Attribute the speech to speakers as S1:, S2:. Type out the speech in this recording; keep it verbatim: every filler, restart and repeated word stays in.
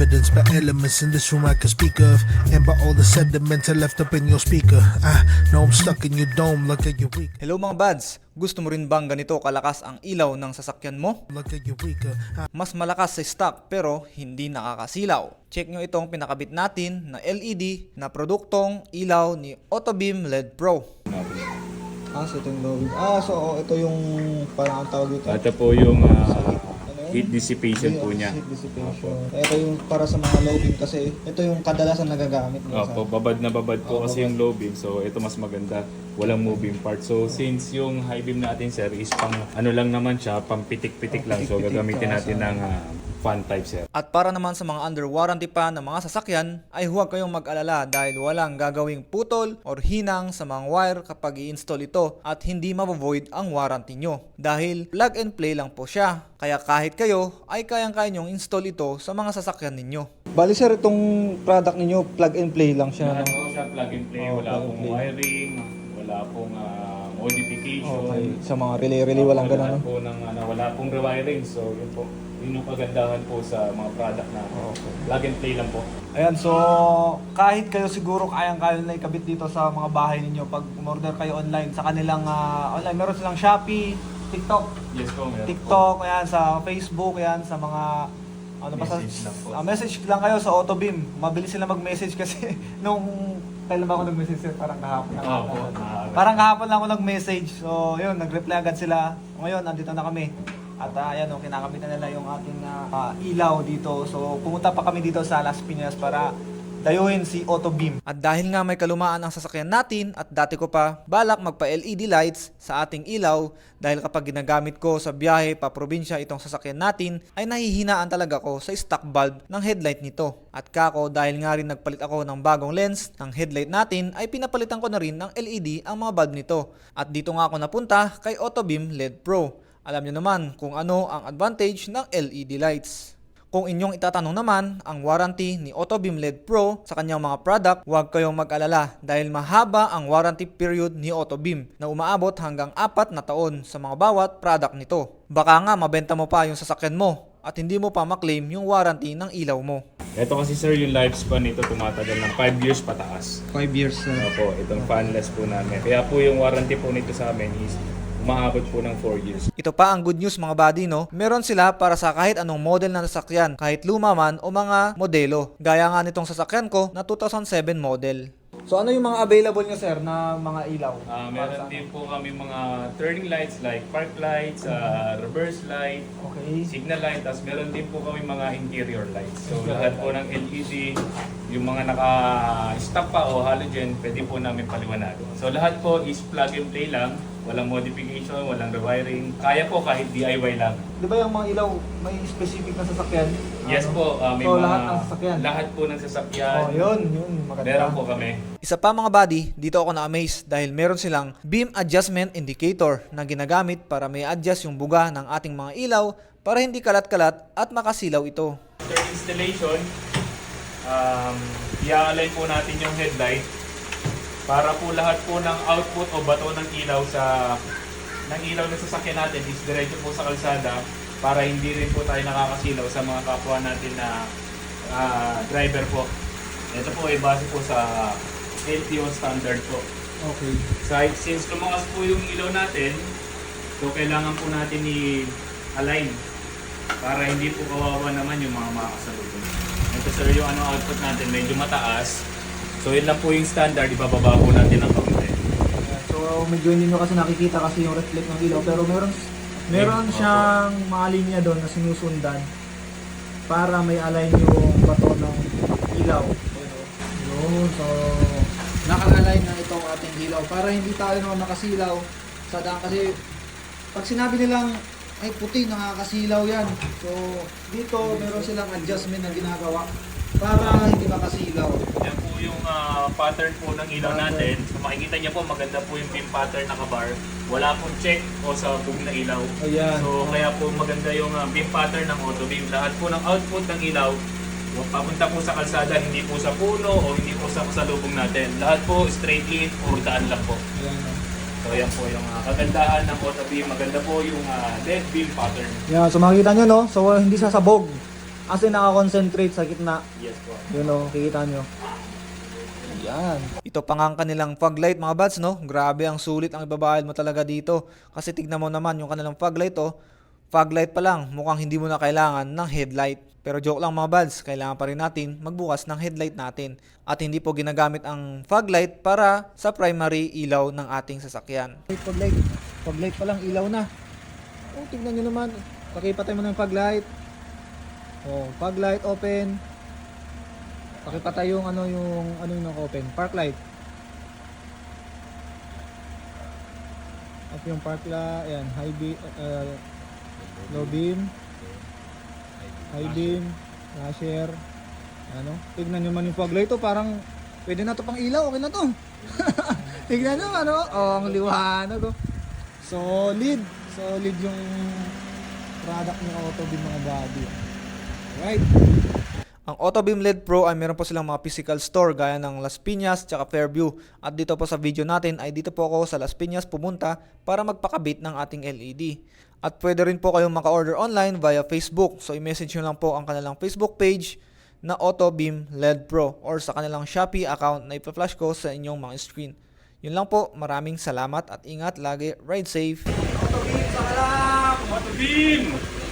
S1: evidenced by elements in this room I can speak of, and by all the sediments I left up in your speaker. I know I'm stuck in your dome, look at your weak.
S2: Hello mga bads, gusto mo rin bang ganito kalakas ang ilaw ng sasakyan mo?
S1: Look at your weaker. I
S2: Mas malakas sa stock pero hindi nakakasilaw. Check nyo itong pinakabit natin na L E D na produktong ilaw ni Autobeam L E D Pro.
S3: Ah, so ito yung lowing. Ah, so oh, ito yung parang ang tawag dito.
S4: Ito po yung ah,
S3: Ano yun?
S4: heat dissipation po
S3: Ayun,
S4: niya.
S3: Heat dissipation. Ito yung para sa mga low beam kasi ito yung kadalasan nagagamit nila.
S4: Opo, babad na babad po
S3: Oh,
S4: kasi
S3: babad.
S4: yung low beam. So ito mas maganda. Walang moving part. So since yung high beam natin sir is pang ano lang naman siya, pang pitik-pitik lang. So
S3: Pitik-pitik
S4: gagamitin
S3: ka
S4: natin
S3: sa-
S4: ng ah, fan type sir.
S2: At para naman sa mga under warranty pa ng mga sasakyan ay huwag kayong mag-alala dahil walang gagawing putol or hinang sa mga wire kapag i-install ito at hindi mavovoid ang warranty nyo dahil plug and play lang po siya. Kaya kahit kayo ay kayang-kaya nyong install ito sa mga sasakyan ninyo.
S3: Bali sir, itong product ninyo plug and play lang siya.
S4: Ano
S3: No?
S4: siya, plug and play.
S3: Oh,
S4: Wala
S3: plug and
S4: pong
S3: play.
S4: wiring. Wala pong ah, modification.
S3: Okay. Sa mga relay-relay walang
S4: Wala
S3: ganun. No?
S4: po ng, ano, wala pong rewiring. So yun po. Yun yung kagandahan po sa mga product na plug and play lang po.
S3: Ayan, so kahit kayo siguro kayang-kaya na ikabit dito sa mga bahay ninyo pag umorder kayo online sa kanilang ah, online. Meron silang Shopee, TikTok,
S4: Yes po, meron po.
S3: TikTok, ayan, sa Facebook, ayan, sa mga ano pa sa
S4: Message lang po.
S3: ah, message lang kayo sa Autobeam. Mabilis sila mag-message kasi nung kailan ba ako nag-message sir? Parang kahapon lang.
S4: Opo,
S3: ata.
S4: maaga.
S3: Parang kahapon lang ako nag-message. So, yun, nag-reply agad sila. Ngayon, andito na kami. At uh, ayan, oh, kinakamit na nila yung ating ah, ah, ilaw dito. So, pumunta pa kami dito sa Las Piñas para dayuhin si Autobeam.
S2: At dahil nga may kalumaan ang sasakyan natin at dati ko pa balak magpa-L E D lights sa ating ilaw dahil kapag ginagamit ko sa biyahe pa probinsya itong sasakyan natin ay nahihinaan talaga ko sa stock bulb ng headlight nito. At kako dahil nga rin nagpalit ako ng bagong lens ng headlight natin ay pinapalitan ko na rin ng L E D ang mga bulb nito. At dito nga ako napunta kay Autobeam L E D Pro. Alam niyo naman kung ano ang advantage ng L E D lights. Kung inyong itatanong naman ang warranty ni Autobeam L E D Pro sa kanyang mga product, huwag kayong mag-alala dahil mahaba ang warranty period ni Autobeam na umaabot hanggang apat na taon sa mga bawat product nito. Baka nga mabenta mo pa yung sasakyan mo at hindi mo pa maklaim yung warranty ng ilaw mo.
S4: Ito kasi sir, yung lifespan nito tumatagal ng five years pataas.
S3: five years.
S4: Ano po, itong fanless po namin. Kaya po yung warranty po nito sa amin is umaabot po ng four years.
S2: Ito pa ang good news mga buddy, no? Meron sila para sa kahit anong model ng sasakyan, kahit luma man o mga modelo. Gaya nga nitong sasakyan ko na two thousand seven model.
S3: So, ano yung mga available nyo, sir, na mga ilaw?
S4: Ah, meron din po kami mga turning lights like park lights, ah, reverse light,
S3: Okay.
S4: signal light, tapos meron din po kami mga interior lights. So lahat po ng L E D, yung mga naka-stock pa o halogen, pwede po namin paliwanagan. So lahat po is plug and play lang, walang modification, walang rewiring. Kaya po kahit D I Y lang.
S3: Di ba yung mga ilaw, may specific na sasakyan?
S4: Yes
S3: Ano?
S4: po, ah, may
S3: So,
S4: mga
S3: lahat ng sasakyan?
S4: lahat po ng sasakyan.
S3: Oh, yun, yun. Maganda.
S4: Meron po kami.
S2: Isa pa mga buddy, dito ako na-amaze dahil meron silang beam adjustment indicator na ginagamit para may adjust yung buga ng ating mga ilaw para hindi kalat-kalat at makasilaw ito.
S4: After installation, um, i-align po natin yung headlight para po lahat po ng output o bato ng ilaw sa ng ilaw na sasakyan natin is diretso po sa kalsada para hindi rin po tayo nakakasilaw sa mga kapwa natin na ah, driver po. Ito po ay base po sa L T O standard po.
S3: Okay.
S4: So, since lumakas po yung ilaw natin, so kailangan po natin i-align para hindi po kawawa naman yung mga makakasalubong. Ito sir, yung ano output natin medyo mataas. So yun lang po yung standard, ibababa po natin ang kaunti.
S3: So, medyo hindi nyo kasi nakikita kasi yung reflect ng ilaw. Pero meron meron
S4: Opo.
S3: siyang mga linya doon na sinusundan para may align yung bato ng ilaw. Yun, so naka-align na itong ating ilaw para hindi tayo naman makasilaw sa daan kasi pag sinabi nilang ay puti, nakakasilaw yan. So, dito meron silang adjustment na ginagawa para hindi makasilaw.
S4: Yan po yung ah, pattern po ng ilaw natin. So makikita niyo po maganda po yung beam pattern naka-bar. Wala pong check o sa bug na ilaw.
S3: Ayan.
S4: So kaya po maganda yung ah, beam pattern ng Autobeam. Lahat po ng output ng ilaw papunta po sa kalsada, hindi po sa puno o hindi po sa kasalubong natin. Lahat po straight in o daan lang po.
S3: Ayan.
S4: So yan po yung ah, kagandahan ng Autobeam. Maganda po yung ah, L E D beam pattern.
S3: Yan, so makikita nyo no, so uh, hindi sasabog. Kasi nakakonsentrate sa gitna.
S4: Yes po.
S3: Yun o, kikita nyo. Yan.
S2: Ito pa nga ang kanilang fog light mga buds, no? Grabe ang sulit ang ibabayad mo talaga dito. Kasi tignan mo naman yung kanilang fog light, oh. Fog light pa lang, mukhang hindi mo na kailangan ng headlight. Pero joke lang mga buds, kailangan pa rin natin magbukas ng headlight natin. At hindi po ginagamit ang fog light para sa primary ilaw ng ating sasakyan.
S3: Fog light. Fog light pa lang, ilaw na. Oh, tignan nyo naman. Pakipatay mo ng fog light. Oh, fog light open. Pakipatay yung ano yung ano yung open, park light. Off yung park light, ayan, high beam, uh, low beam, high beam, flasher. Ano? Tignan nyo man yung fog light to, parang pwede na to pang ilaw, okay na to. Tignan nyo ano, oh, ang liwanag oh. Solid, solid yung product ng Autobeam mga buddy. Right.
S2: Ang Autobeam L E D Pro ay meron po silang mga physical store gaya ng Las Piñas at Fairview. At dito po sa video natin ay dito po ako sa Las Piñas pumunta para magpakabit ng ating L E D. At pwede rin po kayong maka-order online via Facebook. So i-message nyo lang po ang kanilang Facebook page na Autobeam L E D Pro or sa kanilang Shopee account na ipa-flash ko sa inyong mga screen. Yun lang po, maraming salamat at ingat lagi, ride safe.
S4: Autobeam!